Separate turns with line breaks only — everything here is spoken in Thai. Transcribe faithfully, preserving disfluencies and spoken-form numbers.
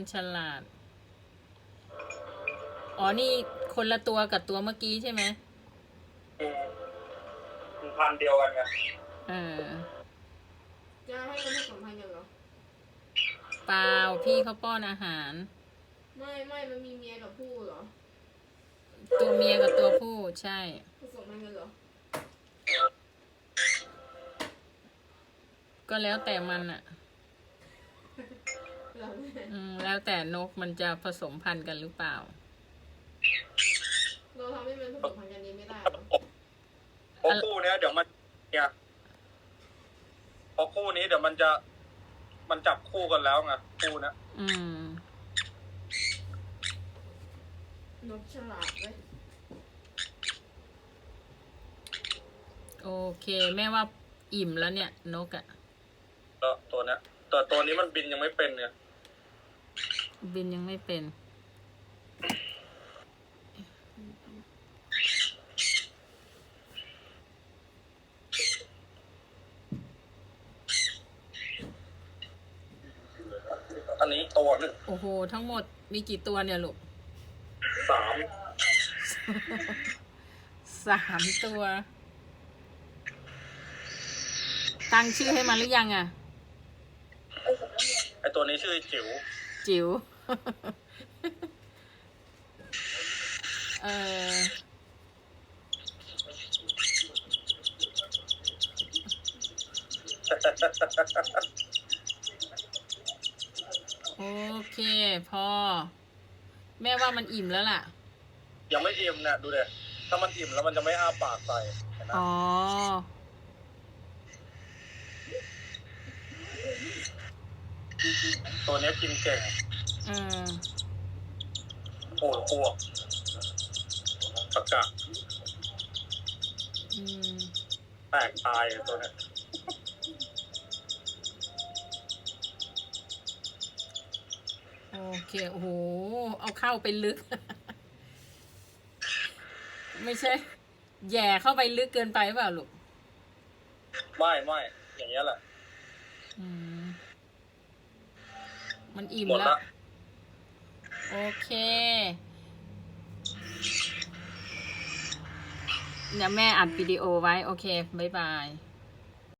มันฉลาดอ๋อนี่คนละตัวกับตัวเมื่อกี้ใช่ไหม
อืมมันพันธุ์เดียวกันไง
เออ
จะให้มันผสมพันธุ์กันเหรอ
เปล่าพี่เขาป้อนอาหาร
ไม่ไม่มันมีเมียกับผู้เหรอ
ตัวเมียกับตัวผู้ใช่
ผสมพันธุ์กันเหรอ
ก็แล้วแต่มันอะ
เหรอแม่
อืมแล้วแต่นกมันจะผสมพันธุ์กันหรือเปล่า
เราทำให้มันผสมพันธุ์กันเองไม่ได้เหรอ
เพราะคู่เนี้ยเดี๋ยวมันเนี่ยพอคู่นี้เดี๋ยวมันจะมันจับคู่กันแล้วไงคู่เนี้ย
อืม
นกฉลาดเว้ย
โอเคแม่ว่าอิ่มแล้วเนี่ยนกอะ
แล้วตัวเนี้ยแต่ตัวนี้มันบินยังไม่เป็นเนี่ย
บินยังไม่เป็น
อันนี้ตัวหนึ่ง
โอ้โหทั้งหมดมีกี่ตัวเนี่ยลูก
สาม
สามตัวตั้งชื่อให้มันหรือยังอะ
ไอตัวนี้ชื่อจิ๋ว
จิ๋วเออโอเคพอแม่ว่ามันอิ่มแล้วล่ะ
ยังไม่อิ่มเนี่ยดูเด็ถ้ามันอิ่มแล้วมันจะไม่อ้าปากใส่นะ
อ๋อ
ตัวนี้กินเก่ง
อืม
โอ้พวกตะกะ
อืม
แตกตายตัวนี้
โอเคโอ้โหเอาเข้าไปลึก ไม่ใช่แย่เข้าไปลึกเกินไปเปล่าลูก
ไม่ไม่อย่างเงี้ยแหละ
อืมมันอิ่ม
หมด
แล้ว
ละ
โอเคเนี่ยแม่อัดวิดีโอไว้โอเคบ๊ายบาย